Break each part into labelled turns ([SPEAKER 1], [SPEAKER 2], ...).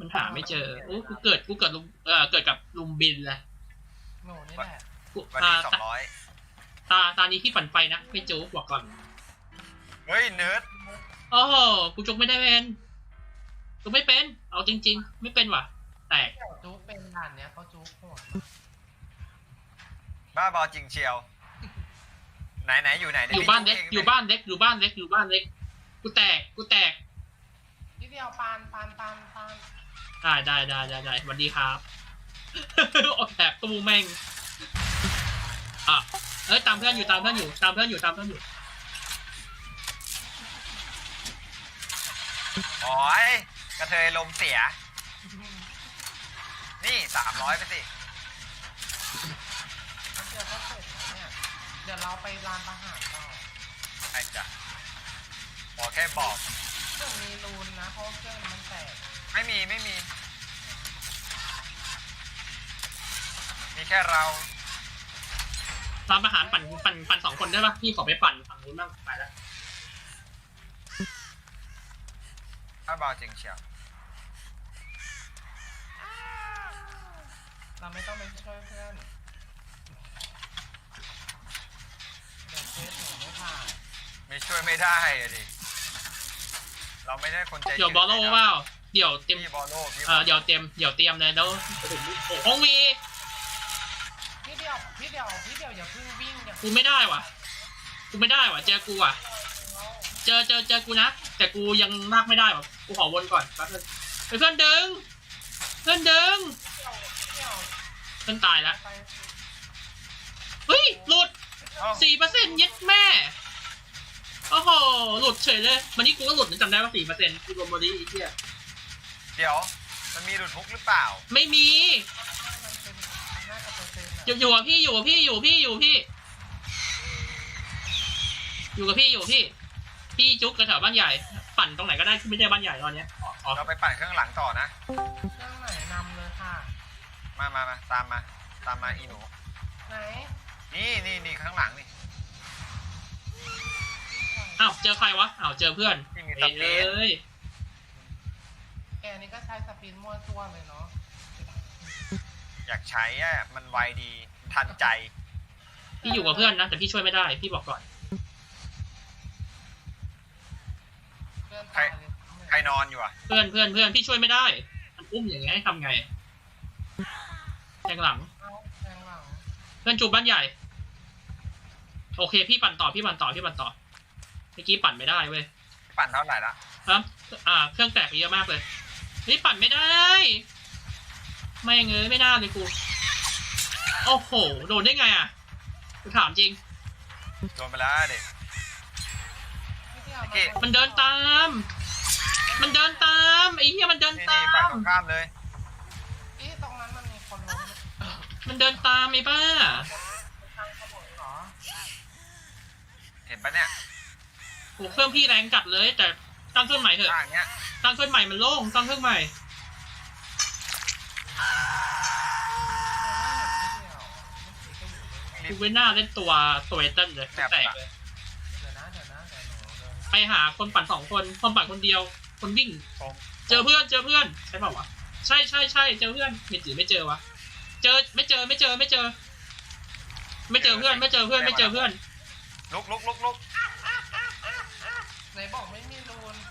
[SPEAKER 1] มันหาไม่เจอโอ้กูเกิดลุมเกิดกับลุมบินแหละ
[SPEAKER 2] หนูนี่แหละ
[SPEAKER 3] วันนี้200
[SPEAKER 1] ตานี้พี่ปั่นไปนะไม่จู๊บอกก่อน
[SPEAKER 3] เฮ้ยเนิร์ด
[SPEAKER 1] โอ้โหกูจุกไม่ได้เป็นจุกไม่เป็นเอาจริงๆไม่เป็นว่ะแตก
[SPEAKER 2] จุ๊กเป็นด่านเนี้ยเขาจุ๊กโหด
[SPEAKER 3] บ้าบอจริงเชียวไหนอยู่ไหน
[SPEAKER 1] อยู่บ้านเล็กอยู่บ้านเล็กกูแตก
[SPEAKER 2] พี่เดียวปาน
[SPEAKER 1] ได้สวัสดีครับ ออกแบบตู้แม่งอ่ะตามเพื่อนอยู่
[SPEAKER 3] โอ้ยกระเทยลมเสียนี่300ไปสิ
[SPEAKER 2] เดี๋ยวก็เสร็จเนี่ยเดี๋ยวเราไปร้านอาหารต่อ
[SPEAKER 3] ไอ้จ้ะบอกแค่บอก
[SPEAKER 2] เครื่องมีรูนนะเพราะเครื่องมันแตก
[SPEAKER 3] ไม่มีแค่เรา
[SPEAKER 1] ตามอาหารปั่น2 คนได้ปะพี่ขอไปปั่นฝั่งนู้นบ้างไปแล้ว
[SPEAKER 3] บ้าบอจริงเชียว
[SPEAKER 2] เราไม่ต้องไปช่วยเพื่อนเดี๋ยวเคสหนูไม่ผ่าน
[SPEAKER 3] ไม่ช่วยไม่ได้อะดิเราไม่ได้คนใจ
[SPEAKER 1] เดี๋ยวบอลโล่เปล่าเดี๋ยวเต็ม
[SPEAKER 3] พี่บอลโล่พี่
[SPEAKER 1] เดี๋ยวเตรียมเลยแล้วห้องวี
[SPEAKER 2] พี่เดียวอย่าเพิ่งวิ่งอย่า
[SPEAKER 1] กูไม่ได้ว่ะเจอกูอ่ะเจอกูนะแต่กูยังลากไม่ได้ว่ะกูขอวนก่อนแป๊บนึงเพื่อนดึงเพื่อนตายแล้ว
[SPEAKER 2] ไป
[SPEAKER 1] เฮ้ยหลุด 4% ยึดแม่โอ้โหหลุดเฉยเลยวันนี้กูก็หลุดนะจำได้ว่า 4% กูรวมบอดี้อีกเหี้ย
[SPEAKER 3] เดี๋ยวมันมีหลุดฮุกหรือเปล่า
[SPEAKER 1] ไม่มี
[SPEAKER 2] มันเป็นน่าจะเป็น
[SPEAKER 1] อยู่กับพี่อยู่กับพี่พี่จุกกระแถวบ้านใหญ่ปั่นตรงไหนก็ได้ที่ไม่ใช่บ้านใหญ่ตอนเนี้ย
[SPEAKER 3] เราไปปั่นเครื่องหลังต่อนะ
[SPEAKER 2] เครื่องไหนนำเลยค่ะ
[SPEAKER 3] มาตามมาอีหนู
[SPEAKER 2] ไหน
[SPEAKER 3] นี่ข้างหลังนี่
[SPEAKER 1] อ้าวเจอใครวะอ้าวเจอเพื่อน
[SPEAKER 3] ที่มีตะเพียน
[SPEAKER 1] เอ้ย
[SPEAKER 2] แกนี่ก็ใช้สปินมั่วซั่วเลยเนาะ
[SPEAKER 3] อยากใช้อะมันไวดีทันใจ
[SPEAKER 1] พี่อยู่กับเพื่อนนะแต่พี่ช่วยไม่ได้พี่บอกก่อน
[SPEAKER 2] เพื่อนตายเลย
[SPEAKER 3] ใครนอนอยู่อ่ะ
[SPEAKER 1] เพื่อนพี่ช่วยไม่ได้มันอุ้มอย่างเงี้ยให้ทำไงแทงหลัง
[SPEAKER 2] เอาแทงหลัง
[SPEAKER 1] เพื่อนจูบบ้านใหญ่โอเคพี่ปั่นต่อเมื่อกี้ปั่นไม่ได้เว้ย
[SPEAKER 3] ปั่นเท่าไหร่ละ
[SPEAKER 1] ครับเครื่องแตกเยอะมากเลยนี่ปั่นไม่ได้ไม่เงยไม่น่าเลยกูโอ้โหโดนได้ไงอ่ะกูถามจริง
[SPEAKER 3] โดนไปแล้วเด็ก
[SPEAKER 2] พี่เดียว
[SPEAKER 3] โอเค
[SPEAKER 1] มันเดินตามไอ้เหี้ยมันเดิน
[SPEAKER 3] นี่
[SPEAKER 1] ตา
[SPEAKER 3] ปั่น
[SPEAKER 1] ม
[SPEAKER 3] ตรงข้ามเลย
[SPEAKER 2] พี่ตรงนั้นมันมีคนล้ม
[SPEAKER 1] มันเดินตามไอ้บ้า
[SPEAKER 2] ทางขบวนเหรอ
[SPEAKER 3] เห็นปะเนี่ย
[SPEAKER 1] โอ้เครื่องพี่แรงจัดเลยแต่ตั้งเครื่องใหม่เถอะ
[SPEAKER 3] ข้างเนี้ย
[SPEAKER 1] ตั้งเครื่องใหม่มันโล่งตั้งเครื่องใหม่
[SPEAKER 2] พี่เดียวเมื่อกี้ก็อยู่เลย
[SPEAKER 1] กูเว้นหน้าเล่นตัวเอเติ้ลเลยแตกเลย
[SPEAKER 2] เดี๋ยวนะเดี๋ยวหนูเดิน
[SPEAKER 1] ไปหาคนปั่น2 คนปั่นคนเดียวคนวิ่ง
[SPEAKER 3] ผม
[SPEAKER 1] เจอเพื่อนใช่เปล่าวะใช่เจอเพื่อนไม่เจอวะไม่เจอเพื่อน
[SPEAKER 3] ลุก
[SPEAKER 2] ไหนบอกไม่มีรูน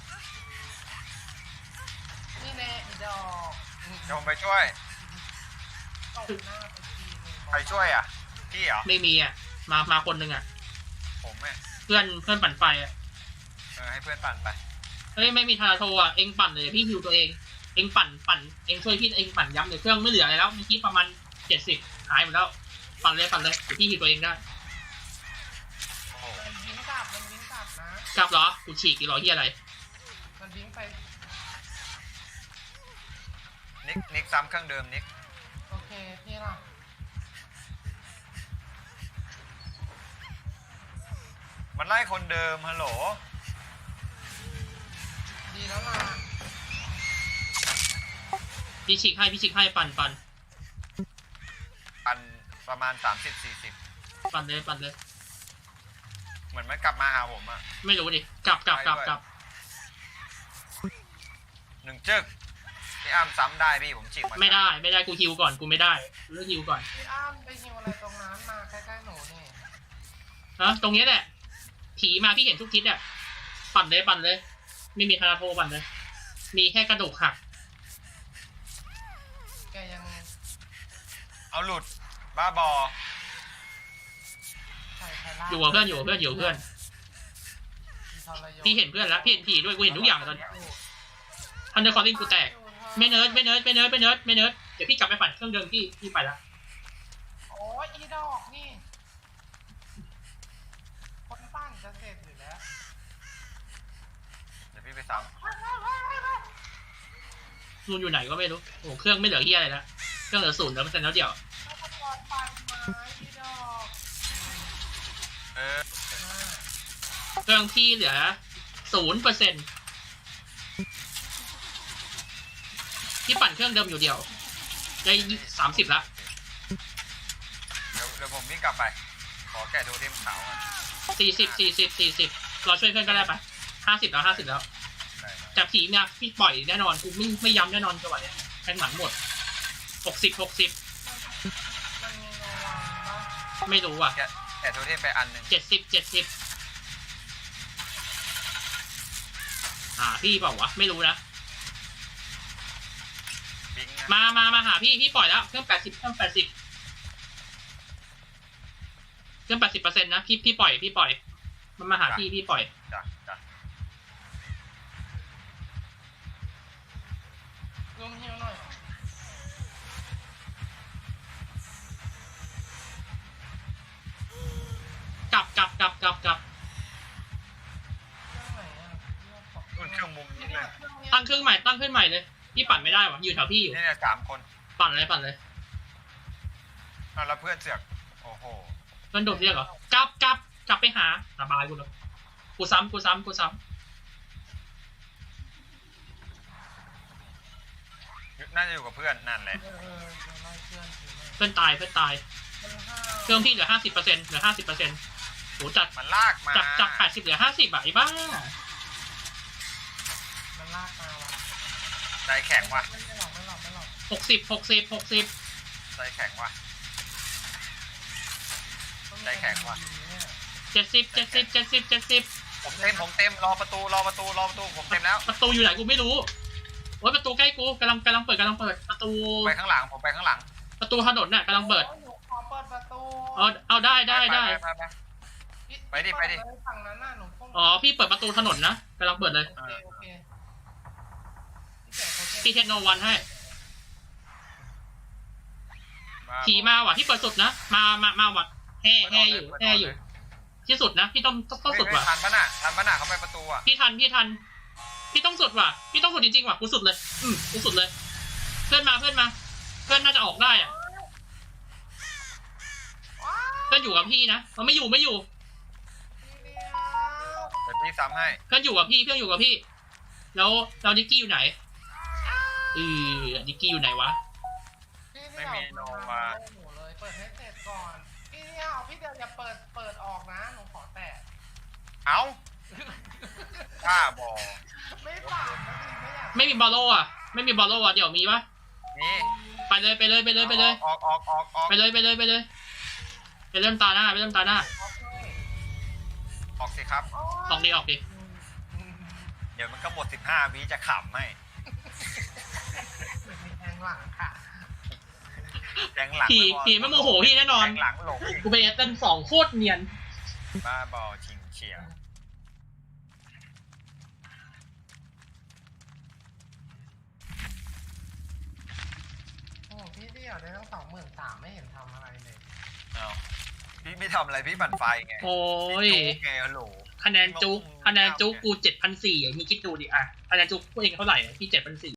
[SPEAKER 2] นี่แน่อีดอก
[SPEAKER 3] เดี๋ยวผมไปช่วย
[SPEAKER 2] ตบหน้าไปทีนึง
[SPEAKER 3] ใครช่วยอ่ะพี่เหรอ
[SPEAKER 1] ไม่มีอ่ะมาคนหนึ่งอ่ะ
[SPEAKER 3] ผมเนี่ย
[SPEAKER 1] เพื่อนปั่นไฟอ่ะ
[SPEAKER 3] ให้เพื่อนปั่นไป
[SPEAKER 1] เฮ้ยไม่มีทาโทอ่ะเองปั่นเลยพี่ฮิวตัวเองเองปั่นเองช่วยพี่เองปั่นย้ำเลยเครื่องไม่เหลืออะไรแล้วเมื่อกี้ประมาณ70หายหมดแล้วปั่นเลยเดี๋ยวพี่ฮิวตัวเองได้
[SPEAKER 3] โอ้โห
[SPEAKER 2] มันวิ่งกลับนะ
[SPEAKER 1] กลับเหรอกูฉีกกี่ร้อยเฮียอะไร
[SPEAKER 2] มันวิ่งไป
[SPEAKER 3] นิกซ้ำเครื่องเดิมนิก
[SPEAKER 2] โอเคพี่ล่ะ
[SPEAKER 3] มันไล่คนเดิมฮัลโหล
[SPEAKER 2] ดีแล้วล่ะ
[SPEAKER 1] พี่ฉีกให้ปั่น
[SPEAKER 3] ปั่นประมาณ30-40
[SPEAKER 1] ปั่นเลย
[SPEAKER 3] เหมือนมันกลับมาหาผมอ่ะ
[SPEAKER 1] ไม่รู้ดิกลับ
[SPEAKER 3] 1 จึกพี่อ้ำซ้ำได้พี่ผมฉีกมา
[SPEAKER 1] ไม่ได้กูฮิวก่อนกูไม่ได้กูเลือกฮิวก่อน
[SPEAKER 2] พี่อ้ำไปหิวอะไรตรงนั้นมาใกล้ๆหนูนี่
[SPEAKER 1] ฮะตรงนี้แหละผีมาพี่เห็นทุกทิศอ่ะปั่นเลยไม่มีคาราโทปั่นเลยมีแค่กระดูกหัก
[SPEAKER 2] แกยัง
[SPEAKER 3] เอาหลุดบ้าบอ
[SPEAKER 2] ใส่ไทล่า
[SPEAKER 1] อยู่กับเพื่อนพี่เห็นเพื่อนแล้วพี่เห็นผีด้วยกูเห็นทุกอย่างตอนนี้ทันเดอร์คอร์ลิงกูแตกไม่เนิร์ดเดี๋ยวพี่กลับไปปั่นเครื่องเดิมพี่ไปละ
[SPEAKER 2] โอ้ยอีดอกนี่คนปั้นจะเสร็จอยู่แล้ว
[SPEAKER 3] เดี๋ยวพี่ไปซ้
[SPEAKER 1] นูนอยู่ไหนก็ไม่รู้โอ้เครื่องไม่เหลือเฮียอะไรแล้วเครื่องเหลือ0%แล้วเดี๋ยว
[SPEAKER 2] ถ้าตะกอนปั้นไม้อีดอก
[SPEAKER 3] ำ
[SPEAKER 1] เครื่องพี่เหลือ0%พี่ปั่นเครื่องเดิมอยู่เดียวได้30ละ
[SPEAKER 3] เดี๋ยวผมวิ่งกลับไป ขอแกะโทเทมขาวก่อน
[SPEAKER 1] 40เราช่วยเพื่อนก็ได้ปะ50แล้ว
[SPEAKER 3] ได้
[SPEAKER 1] แต่ผีเนี่ยพี่ปล่อยแน่นอนกูไม่ย้ำแน่นอนจังหวะเนี้ยแทงหลังหมด60
[SPEAKER 2] มันมีโนวันปะ
[SPEAKER 1] ไม่รู้อ่ะ
[SPEAKER 3] แกะโทเทมไปอันหนึ่ง
[SPEAKER 1] 70พี่เปล่าวะไม่รู้นะ
[SPEAKER 3] บิงนะ
[SPEAKER 1] มาหาพี่ปล่อยแล้วเครื่อง80เครื่อง80นะพี่ปล่อยมันมาหาพี่ปล่อย
[SPEAKER 3] จ้ะ
[SPEAKER 2] ลุงฮิวหน่อย
[SPEAKER 1] กลับ
[SPEAKER 2] เรื่องไหนอ่ะ
[SPEAKER 3] รุ่นเครื่องมุมนี้เลย
[SPEAKER 1] ตั้งเครื่องใหม่เลยพี่ปั่นไม่ได้วะอยู่แถวพี่อยู่
[SPEAKER 3] นี่เนี่ย3 คน
[SPEAKER 1] ปั่นเลย
[SPEAKER 3] อ้าวแล้วเพื่อนเสือก โอ้โห
[SPEAKER 1] มันโดดเรียกเหรอกลับไปหาสบายกูเลยกูซ้ำ
[SPEAKER 3] น่าจะอยู่กับเพื่อนนั่นแหละ
[SPEAKER 2] จะไล่เพื่อนอยู่เลย
[SPEAKER 1] เพื่อนตาย
[SPEAKER 2] มันห้า
[SPEAKER 1] เครื่องพี่เหลือ50%โหจาก
[SPEAKER 3] มันลากมา
[SPEAKER 1] 80เหลือ50ไอ้บ้า
[SPEAKER 2] มันลากมาว่ะ
[SPEAKER 3] ใจแข็งว่ะ
[SPEAKER 2] ไม่หลอก
[SPEAKER 1] 60
[SPEAKER 3] ใจแข็งว่ะ ใจแข็งว่ะ
[SPEAKER 1] 70
[SPEAKER 3] ผมเต็มรอประตูผมเต็มแล้ว
[SPEAKER 1] ประตูอยู่ไหนกูไม่รู้โอ้ยประตูใกล้กูกำลังเปิดประตู
[SPEAKER 3] ไปข้างหลังผมไปข้างหลัง
[SPEAKER 1] ประตูถนนน่ะกำลังเปิด
[SPEAKER 2] หนูขอเปิดประตู
[SPEAKER 1] เอาได้
[SPEAKER 3] ไปดิ
[SPEAKER 2] ฝั่งนั้นน่ะหนูพุ่ง
[SPEAKER 1] อ๋อพี่เปิดประตูถนนนะกำลังเปิดเลย
[SPEAKER 2] โอเค
[SPEAKER 1] พี่เทคโนวันให้ผีมาว่ะที่เปิดสุดนะมาว่ะแห่อยู่ที่สุดนะพี่ต้องสุดว่ะ
[SPEAKER 3] ทันปะน่ะเขาไปประตูอ่ะ
[SPEAKER 1] พี่ทันพี่ต้องสุดว่ะพี่ต้องสุดจริงๆว่ะกูสุดเลยกูสุดเลยเพื่อนมาเพื่อนน่าจะออกได้อ่ะเพื่อนอยู่กับพี่นะมันไม่อยู่
[SPEAKER 3] เดี๋ยวพี่ซ้ำให้
[SPEAKER 1] เพื่อนอยู่กับพี่แล้วนิกกี้อยู่ไหนนิกกี้อยู่ไหนวะ
[SPEAKER 3] ไม่มีโนมา
[SPEAKER 2] หนูเลยเปิดให้เสร็จก่อนพี่เดียวอย่าเปิดออกนะหนูขอแตะ
[SPEAKER 3] เอ้าบ้าบอ
[SPEAKER 2] ไม่ปากนะพี่ไม่อยาก
[SPEAKER 1] ไม่มีบอลโล่อะเดี๋ยวมีปะ
[SPEAKER 3] นี่
[SPEAKER 1] ไปเลยไปเลย
[SPEAKER 3] ออก
[SPEAKER 1] ไปเลยไปเริ่มตาหน้า
[SPEAKER 3] ออกสิครับ
[SPEAKER 1] ออกดิ
[SPEAKER 3] เดี๋ยวมันก็หมด15 วิจะขำให้
[SPEAKER 2] มีแทงหลังค่ะ
[SPEAKER 3] แทงหลัง
[SPEAKER 1] ผีไม่โมโหพี่แน่นอน
[SPEAKER 3] แทงหลังหลงอีก
[SPEAKER 1] กูไปเต้น2โคตรเนียน
[SPEAKER 3] บ้าบอชิงเฉียว
[SPEAKER 2] โอ้พี่เดียวได้ตั้ง23,000ไม่เห็นทำอะไรเลย
[SPEAKER 3] เอาพี่ไม่ทำอะไรพี่ปั่นไฟไง
[SPEAKER 1] โอ้ย
[SPEAKER 3] พี่จุ๊กไงฮัลโหล
[SPEAKER 1] คะแนนจุ๊กกู7,400มีคิดดูดิอะคะแนนจุ๊กกูเองเท่าไหร่พี่7,400